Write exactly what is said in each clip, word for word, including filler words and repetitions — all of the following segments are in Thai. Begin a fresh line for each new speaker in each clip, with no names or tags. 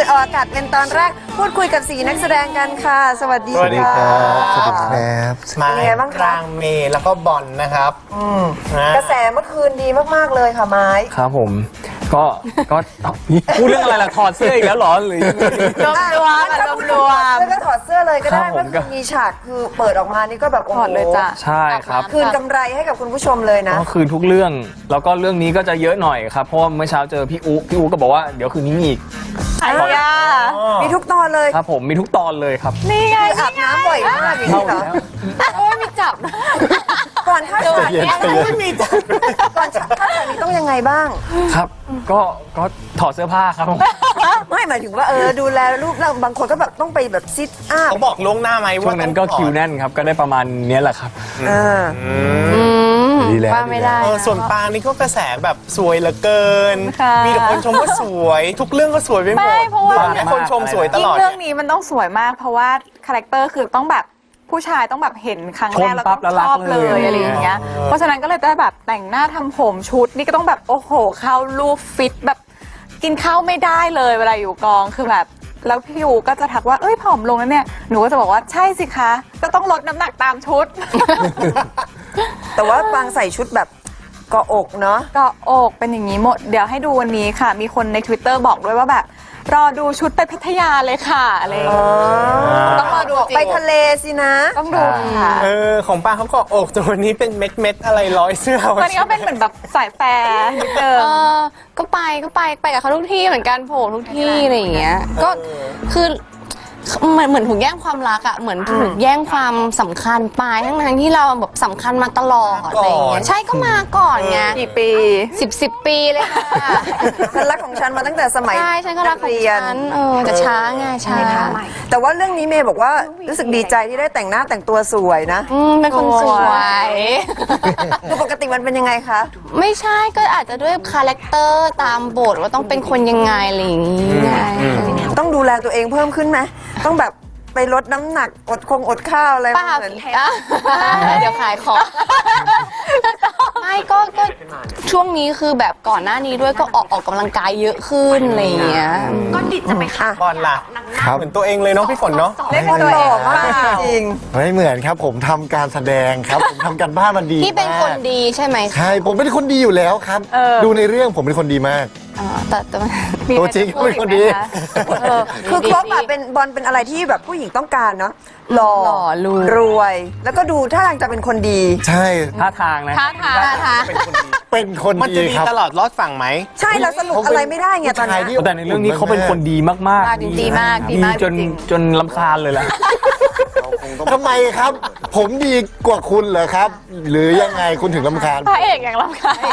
ออกอากาศเป็นตอนแรกพูดคุยกับสี่นักแสดงกันค่ะสวัสดี
สวัสดีค
ค่ะ
รับสวัสดีครับ
มา
เป็นไงบ้างครับเมย์แล้วก็บอลนะครับนะ
กระแสเมื่อคืนดีมากๆเลยค่ะไม้
ครับผมก็ก็พูดเรื่องอะไรล่ะถอดเสื้ออีกแล้วเหรอหรือยังไง
รวมรวมรวมรวมแล้วก็ถอดเสื้อเลยก็ได้
ครับผ
เมื่อ
ม
คื
ก็
นมีฉากคือเปิดออกมานี่ก็แบบโอ้โห
ถอดเลยจ้ะ
ใช่ครับ
คืนกำไรให้กับคุณผู้ชมเลยนะ
ก็คืนทุกเรื่องแล้วก็เรื่องนี้ก็จะเยอะหน่อยครับเพราะว่าเมื่อเช้าเจอพี่อูพี่อูก็บอกว่าเดี๋ยวคืนนี้มีอีก
ไอ้ยา
มีทุกตอนเลย
ครับผมมีทุกตอนเลยครับ
นี่ไง
คืออาบน้ำบ่อยมากอย่าง
เข้า
นี้เหรอ
แล้ว
โอ้ยมีจับนะ
ก่อนเข้าฉากเนี่ย
ใจเย็น
ไม่มีจัดก่อนเข้าฉากนี้ต้องยังไงบ้าง
ครับก็ก็ถอดเสื้อผ้าครับผม
ไม่หมายถึงว่าเออดูแลรูปร่างบางคนก็แบบต้องไปแบบซิทอัพ
เขาบอกล่วงหน้าไหม
ช่ว
ว่าง
นั้นก็
ต้องถอด
คิวแน่นครับก็ได้ประมาณเนี้ยแหละครับ
เออ
อืม
ดีแล้ว
ว่าไม่ได้
เออส่วนปางนี่ก็กระแสแบบสวยเหลือเกิน
ค่ะ
มีแต่คนชมว่าสวย ทุกเรื่องก็สวยไปหมด
ไม่เพราะว่า
บางคนชมสวยต
ยิ่
ล
ง
อด
เรื่องนี้มันต้องสวยมาก เพราะว่าคาแรคเตอร์คือต้องแบบผู้ชายต้องแบบเห็นครั้งแรก
ชม
แล้ว
ปั๊
ต้
บ
อง
แล้วรั
ช
ก
อบเล
เลย ย
อะไรอย่างเงี้ย เพราะฉะนั้นก็เลยได้แบบแต่งหน้าทำผมชุดนี่ก็ต้องแบบโอ้โหเข้ารูปฟิตแบบกินข้าวไม่ได้เลยเวลาอยู่กองคือแบบแล้วพี่ยูก็จะทักว่าเอ้ยผอมลงแล้วเนี่ยหนูก็จะบอกว่าใช่สิคะก็ต้องลดน้ำหนักตามชุด
แต่ว่าปางใส่ชุดแบบเกาะอกเนาะ
ก็อกเป็นอย่างนี้หมดเดี๋ยวให้ดูวันนี้ค่ะ มีคนใน Twitter บอกด้วยว่าแบบรอดูชุดไปพัทยาเลยค่ะอะไรอย่างเงี้ยต้องรอดูจริง
ไปทะเลสินะ
ต้องดูค่ะ
เออของปางเขาก็อกแต่วันนี้เป็นเม็ดเม็ดๆอะไรร้อยเสื้อ
ตอนนี้ก็เป็นเหมือนแบบสายแฟร์นิดเดิม
เออก็ไปก็ไปไปกับเขาทุกที่เหมือนกันโผล่ทุกที่อะไรอย่างเงี้ยก็คือเหมือนเหมือนถูกแย่งความรักอะเหมือนถูกแย่งความสำคัญไปทั้งทั้งที่เราแบบสำคัญมาตลอดอะไรอย่างเงี้ยใช่ก็มาก่อนไง
กี่ปี
สิบสิบปีเลยค่ะ
ฉันรักของฉันมาตั้งแต่สมัย
ใช่ฉันก็รักของ
เรียน
ฉันเออแต่ช้าไงช้า
แต่ว่าเรื่องนี้เมย์บอกว่ารู้สึกดีใจที่ได้แต่งหน้าแต่งตัวสวยนะ
อืมเป็นคนสวย
คือปกติมันเป็นยังไงคะ
ไม่ใช่ก็อาจจะด้วยคาแรคเตอร์ตามบทว่าต้องเป็นคนยังไงอะไรอย่างงี้ไง
ต้องดูแลตัวเองเพิ่มขึ้นไหมต้องแบบไปลดน้ำหนักอดคงอดข้าวอะไร
เปล่า
เหมือน
เดี๋ยวขายของไม่ก็ก็ช่วงนี้คือแบบก่อนหน้านี้ด้วยก็ออกออกกำลังกายเยอะขึ้นอะไรอย่างเงี้ย
ก็ดิจะไปค่ะ
บอลล่ะ
ครับ
เหมือนตัวเองเลยเนาะพี่ฝนเนาะ
เล่นเป็นหล่อมากจริง
ไม่เหมือนครับผมทำการแสดงครับ ผมทำการบ้านมันดี
พี่เป็นคน
มาก
ดีใช่ไหมคะ
ใช่ผมเป็นคนดีอยู่แล้วครับ
เออ
ดูในเรื่องผมเป็นคนดีมาก
อ๋อแต่แต่มัน
ตัวจริงก็เป็นคนดี
เออคือครบอะเป็นบอลเป็นอะไรที่แบบผู้หญิงต้องการเนาะหล่อ
หล่อรวย
รวย แล้วก็ดูท่าทางจะเป็นคนดี
ใช่
ท่าทางนะ
ท่าทาง
ท่าทาง
เป็นคน
มัน
ดี
จะดี
ครับ
ตลอดรอดฝั่งไหม
ใช่เราสรุปอะไรไม่ได้ไงตอนนี้
ผู้ชายที่
แต่ในเรื่องนี้เขาเป็นคนดีมากๆ
ดีมากดีมาก
จน
จริง
จนลำคาญเลยล่ะ
ทำไมครับ ผมดีกว่าคุณเหรอครับ หรือยังไงคุณถึงลำคาญ
พระเอกอย่างรำคาญ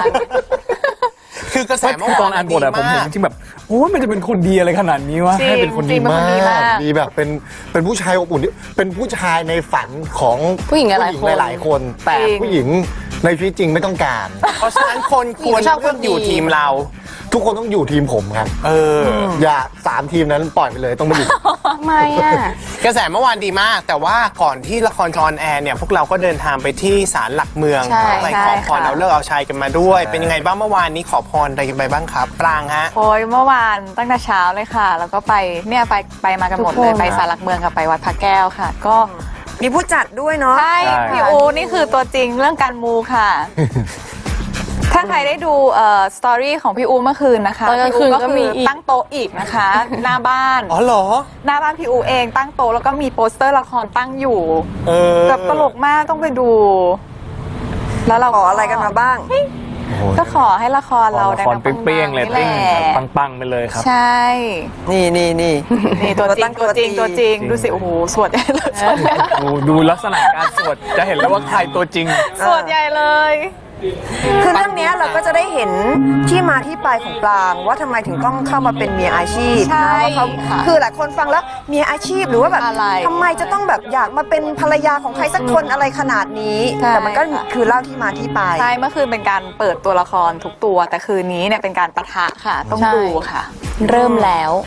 คือกระแส
แต่
เมื่อ
ตอ
วาน น
อ่านบทอะผมเห็นจริงๆแบบโอ้ยมันจะเป็นคนดีอะไรขนาดนี้วะ
จริง
ให้เป็นคนดี
จริงเป็น
มา
คนดีมาก
กดีแบบเป็นเป็นผู้ชายอบอุ่นที่เป็นผู้ชายในฝันของ
ผู้หญิงหลายๆคน
หลายๆคน แต่
จริง
ผู้หญิงในชีวิตจริงไม่ต้องการ
เพราะฉะนั้นคนควร
ชอบคน
เลือกอยู่
ดี
ทีมเรา
ทุกคนต้องอยู่ทีมผมครับ
เออ
อย่าสามทีมนั้นปล่อยไปเลยต้องมาอยู่
ทำไมอ่ะ
กระแสเมื่อวานดีมาก แต่ว่าก่อนที่ละครจอนแอร์เนี่ยพวกเราก็เดินทางไปที่ศาลหลักเมือง
ใช่
ไป
ใช่
ขอพร
ค่ะ
เอาเลิกเอาชัยกันมาด้วย
ใช่
เป็นยังไงบ้างเมื่อวานนี้ขอพรอะไรกันไปบ้างครับ ปรางฮะ
โอ้ยเมื่อวานตั้งแต่เช้าเลยค่ะ แล้วก็ไปเนี่ยไปไปมากันหมด
ทุก
เล
คน
ยไปศาลหลักเมืองกับไปวัดพระแก้วค่ะ ก็
มีผู้จัดด้วยเนาะ
ใช่
ใช่
พี่อูนี่คือตัวจริงเรื่องการมูค่ะ ถ้าใครได้ดูเอ่อสตอรี่ของพี่อูเมื่อคืนนะคะ
ตอนกลางคืน
พี่
ก็
คื
มี
อ
อีก
ตั้งโต๊ะอีกนะคะ หน้าบ้าน
อ๋อเหรอ
หน้าบ้านพี่อูเองตั้งโต๊ะแล้วก็มีโปสเตอร์ละครตั้งอยู่
เออ
แบบตลกมากต้องไปดู แล้วเรา
ขออะไรกันมาบ้าง
ก็ขอให้ละครเรา
ละคร
ดังๆ
เปรี้ยงๆเลย
ปั
ติ้ง
ๆนี่แหละ
ปังๆไปเลยครับ
ใช่
นี่นี่นี่
นี่ตัวจริงตัวจริงตัวจริง
จริง
ดูสิโอ้โหสวดใหญ่เลยสวดใหญ่
ดูดูลักษณะการสวดจะเห็นเลยว่าใครตัวจริง
สวดใหญ่เลย
คือเรื่องเนี้ยเราก็จะได้เห็นที่มาที่ไปของปรางว่าทำไมถึงต้องเข้ามาเป็นเมียอาชีพ
ใช่
นะว่าเขา
ค่ะ
คือหลายคนฟังแล้วเมียอาชีพหรือว่าแบบ
อะไร
ทำไมจะต้องแบบอยากมาเป็นภรรยาของใครสักคนอะไรขนาดนี้
ใช่
แต่มันก็
ค่ะ
คือเล่าที่มาที่ไป
ใช่เมื่อคืนเป็นการเปิดตัวละครทุกตัว แต่คืนนี้เนี่ยเป็นการปะทะค่ะ ต้อง
ใช่
ดูค่ะ
เริ่มแล้ว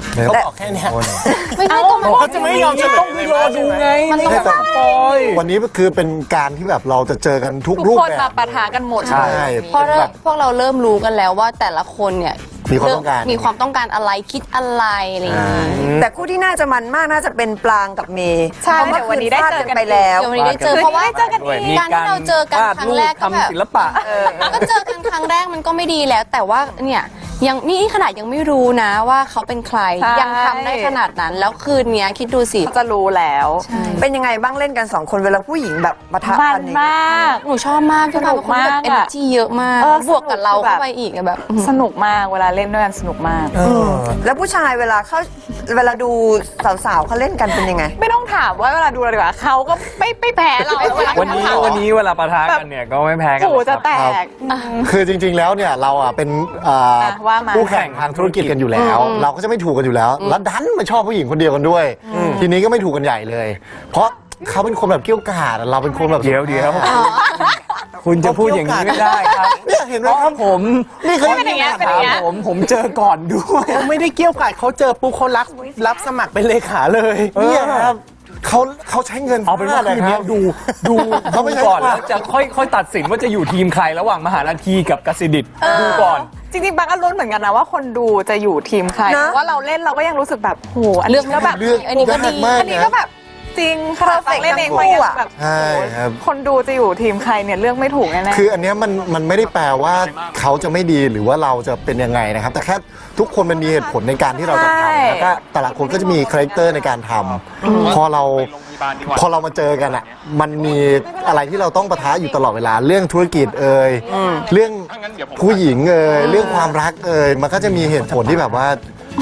เขาบอกแค่เนี้ย
ไม่ใช่ก็มัน
เขาจะไม่ยอมเฉลยเลยว่าใช่ไหม
มันต้อง
แต่วันนี้คือเป็นการที่แบบเราจะเจอกันทุก
ทุก
รูป
คน
แบ
มา
บ
ปะทะกันหมด
ใช่
เพราะเราพวกเราเริ่มรู้กันแล้วว่าแต่ละคนเนี่ย
มีความต้องการ
มีความต้องการอะไรคิดอะไรอะไรอย่างเงี้ย
แต่คู่ที่น่าจะมันมากน่าจะเป็นปลางกับเมย์
ใช่
พราะ
เดี๋ยววันนี้ได้เจอกัน
ไปแล้ว
เดี๋ยววันนี้ได้เจอเพราะว่า
เจอกันอีก
การที่เราเจอกันครั้งแรกก็แบบ
ทำศิลปะ
ก็เจอกันครั้งแรกมันก็ไม่ดีแล้ว แต่ว่าเนี่ยยังนี่ขนาดยังไม่รู้นะว่าเขาเป็นใคร
ใช่
ยังทำได้ขนาดนั้นแล้วคืนเนี้ยคิดดูสิ
เขาจะรู้แล้ว
เป็นยังไงบ้างเล่นกันสองคนเวลาผู้หญิงแบบปะทะ
มั
กัน นอย่าง
ม
เงี้ย
าก
หนูชอบมากพี่ปาเป็นคนที่แบบ
สนุกมากอะ
เอเนอร์จีเยอะมาก
เออบ
วกกับเรา
สนุกแบบ
เข้าไปอีกอะแบบ
สนุกมากเวลาเล่นด้วยกันสนุกมาก
แล้วผู้ชายเวลาเขาเวลาดูสาวๆเขาเล่นกันเป็นยังไง
ไม่ต้องถามว่าเวลาดูอะไรดีกว่าเขาก็ไม่ไม่แพ้เราเวลา
วันนี้
เขา
วันนี้เวลาปะทะกันเนี่ยก็ไม่แพ้กัน
หู
หรอกค
จะ
รับ
แตก
คือจริง ๆ แล้วเนี่ยเราอ่ะเป็นเอ่อ
อ่ะว่ามา
คู่แข่งทางธุรกิจกันอยู่แล้ว เราก็จะไม่ถูกกันอยู่แล้ว แล้วดันมาชอบผู้หญิงคนเดียวกันด้วย ทีนี้ก็ไม่ถูกกันใหญ่เลย เพราะเขาเป็นคนแบบเกี้ยวกาดเราเป็นคนแบบ
เดี๋ยวเดี๋ยวคุณจะพูดอย่างนี้ไม่ได้ครับ
เนี่ยเห็นไหม
เพราะ
ครับ
ผม
นี่เขา
เป็นอย่างเงี้ยเป็นอย่างเงี้ย
ผมผมเจอก่อนด้วย
เขาไม่ได้เกี่ยวกาดเขาเจอปุ๊บเขารับรับสมัครเป็นเลขาเลย
เนี่ยครับเขาเขาใช้เงิน
เอาเป็นว่า
ฟด
คืนนี้
รับ
ดูดู
เขาไม่
ดู
ใช่
ก่อน
ว่า
แล้วจะค่อยค่อยตัดสินว่าจะอยู่ทีมใครระหว่างมหานาทีกับกสิดิตดูก่อน
จริงๆบางก็ลุ้นเหมือนกันนะว่าคนดูจะอยู่ทีมใคร
นะ
เพราะว่าเราเล่นเราก็ยังรู้สึกแบบโหอัน
เลื
นี้
อก
ก็แบบ
เลือกอันนี้ก็ดี
ยากมาก
อันนี้
นะ
ก็แบบจริงขนาดฟังเล่นเองก็ยังแบบ
ใช่ครับ
คนดูจะอยู่ทีมใครเนี่ยเลือกไม่ถูกแน่ๆ
คืออันเนี้ยมันมันไม่ได้แปลว่าเขาจะไม่ดีหรือว่าเราจะเป็นยังไงนะครับ แต่แค่ทุกคนมันมีเหตุผลในการที่เราจะ
ใช่
ทำแล้วก็แต่ละคนก็จะมีคาแรคเตอร์ในการทำพอเราพอเรามาเจอกันอ่ะมันมีอะไรที่เราต้องปะทะอยู่ตลอดเวลาเรื่องธุรกิจเอ่ยเรื่องผู้หญิงเอ่ยเรื่องความรักเอ่ยมันก็จะมีเหตุผลที่แบบว่า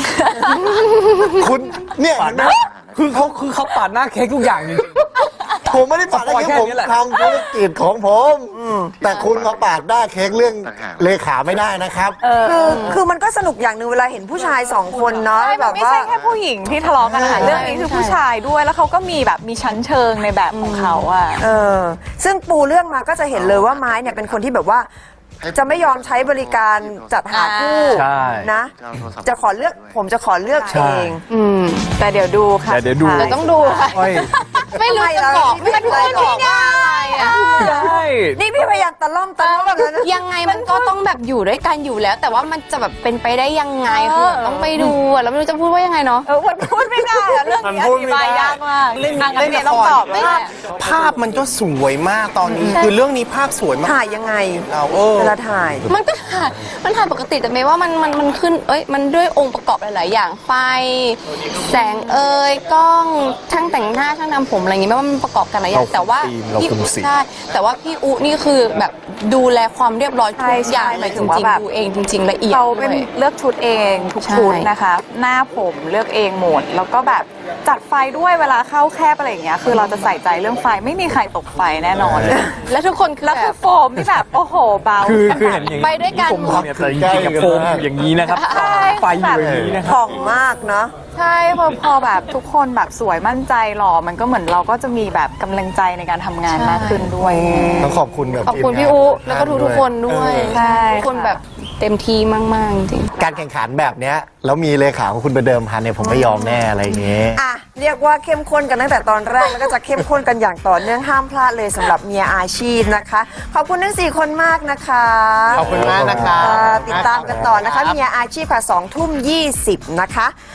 คุณเนี่ย
ปาดหน้าคือเขาคือเขาปาดหน้าเค้กทุกอย่างจริง
ผมไม่ได้ปาดหน้าเค้ก
แค่
ผม
นี้แหละ
ทำธุรกิจของผมแต่คุณมาปาดหน้าเค้กเรื่องเลขาไม่ได้นะครับ
คือคือมันก็สนุกอย่างหนึ่งเวลาเห็นผู้ชายสองคนเนาะ
ใช่
แบ
มัน
บ
ไม่
ว่า
ใช่แค่ผู้หญิงที่ทะเลาะกันนะคะ
ใช่
เรื่องนี้คือผู้ชายด้วยแล้วเขาก็มีแบบมีชั้นเชิงในแบบของเขาอะ
เออซึ่งปูเรื่องมาก็จะเห็นเลยว่าไม้เนี่ยเป็นคนที่แบบว่า จะไม่ยอมใช้บริการจัดหาคู่
ใช่
นะ จะขอเลือกผมจะขอเลือก
ใช่
เอง
อืม
แต่เดี๋ยวดูค่ะ
แต่เดี๋ยวดู
เดี๋ยวต้องดูค่ะ
ค่อย
ไม่รู้จะบอกไม่รู้จะบอกว่าอะไรอะ
ใช่
นี่พี่พยายามตะล่อมตะล่อมแล้วนะ
ยังไงมันก็ต้องแบบอยู่ด้วยกันอยู่แล้ว แต่ว่ามันจะแบบเป็นไปได้ยังไงคือแบบต้องไปดูอะแล้วไม่รู้จะพูดว่ายังไงเนาะ
เออมันพูดไม่ได้อะเรื่อง
มัน
นี้
พู
อ
ด
ธิ
ไม่
บาย
ได้
ยากมาก
เล่น
อ่ะงั้
เล่น
เม
ละ
ย์
ค
ต้อง
ร
ตอบเลย
ภาพภาพมันก็สวยมากตอนนี้ คือเรื่องนี้ภาพสวยมาก
ถ่ายยังไง
เราเออ
เวลาถ่าย
มันก็ถ่ายมันถ่ายปกติแต่ไม่ว่ามันมันมันขึ้นเอ้ยมันด้วยองค์ประกอบหลาย ๆ อย่างไฟแสงเอ่ยกล้องช่างแต่งหน้าช่างทำผมอะไรอย่างงี้ไม่ว่ามันประกอบกันหลายอย่างแต่ว่า
เรา
พี่
คุมสี
ใช่แต่ว่าพี่อุนี่คือแบบดูแลความเรียบร้อยทุ
ใช่
กอย่าง
ใช่
เลย
ห
จ
มายถึงว่า
ริง
แบบ
ๆดูเองจริง ๆ ละเอียด
เขาเป็น
ด้วย
เลือกชุดเองทุก
ใช่
ชุดนะคะ หน้าผมเลือกเองหมด แล้วก็แบบจัดไฟด้วยเวลาเข้าแคบอะไรอย่างเงี้ยคือเราจะใส่ใจเรื่องไฟไม่มีใครตกไฟแน่นอน
แล้วทุกคนคือ
แล้ว
แบ
คือบ โฟมที่แบบโอ้โหเบา
คือคือเห็นอย่างนี้
ไปด้วยกัน
ผมเนี่ยแต่จริงๆกับโฟมอยู่อย่างนี้นะครับ
ใช่
ไฟอยู่อย่างนี้นะครับ
ผ่องมากเนาะ
ใช่พอพอแบบทุกคนแบบสวยมั่นใจหล่อมันก็เหมือนเราก็จะมีแบบกำลังใจในการทำงานมากขึ้นด้วย
ต้องขอบคุณแบบ
ขอบคุณ
ทีมงาน
พี่อุแล้วก็ทุกๆคนด้วย
ใช่
ทุกคนแบบเต็มที่มากๆจริง
การแข่งขันแบบเนี้ยแล้วมีเลขาของคุณไปเดิมพันเนี่ยผมไม่ยอมแน่อะไรอย่างเงี้ย
อ่ะเรียกว่าเข้มข้นกันตั้งแต่ตอนแรกแล้วก็จะเข้มข้นกันอย่างต่อเนื่องห้ามพลาดเลยสำหรับเมียอาชีพนะคะ ขอบคุณทั้งสี่คนมากนะคะ
ขอบคุณมากนะคะ
อ่าติดตามกันต่อนะคะเมียอาชีพค่ะสองทุ่มยี่สิบนะคะ